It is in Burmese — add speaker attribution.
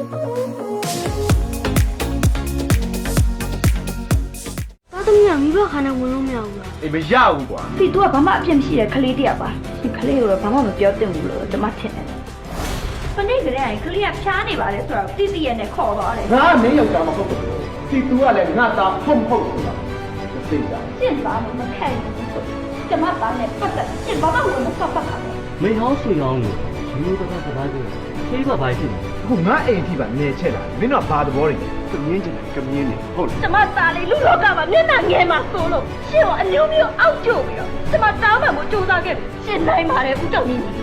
Speaker 1: သမီးကမိဘခန္ဓာဝင်လို့မရဘူးလား
Speaker 2: အေးမရဘူးကွာ
Speaker 3: ဒီသူကဘာမှအပြစ်မရှိတဲ့ကလေးတယောက်ပါဒီကလေးကိုတော့ဘာမှမပြောသင့်ဘူးလို့ကျွန်မထင်တယ်။ပနေ့ကလေးကကလေးကဖျားနေပါလေဆိုတော့တိတိရဲ့နဲ့ခေါ်သွားတယ်
Speaker 2: ငါမင်းယောက်ျားမဟုတ်ဘူးဒီသူကလည်းငါသားဟုတ်မဟုတ်ဆိုတာမသိတာ
Speaker 3: ။ကျင့်ပါလို့မခံဘူးဆိုကျွန်မသားနဲ့ပတ်သက်ကျင့်ဘာမှဝင်မပတ်ပါဘူး
Speaker 4: 没好水养你，有的他不来的，谁把白去？
Speaker 2: အခုငါအိမ်ထိပါနေချက်လာမင်းတို့ကဘာသဘောတွေကမြင်းချင်တယ်ကမြင်းနေဟုတ်လား
Speaker 3: ။ကျွန်မသားလေးလူလောကမှာမျက်နှာငယ်မှာဆိုလို့ရှင့်ကိုအမျိုးမျိုးအောက်ကျုပ်ပြီးတော့ကျွန်မတောင်းပန်မှုစူးစမ်းခဲ့ပြီရှင်းနိုင်ပါတယ်ဦးကျော်ကြီး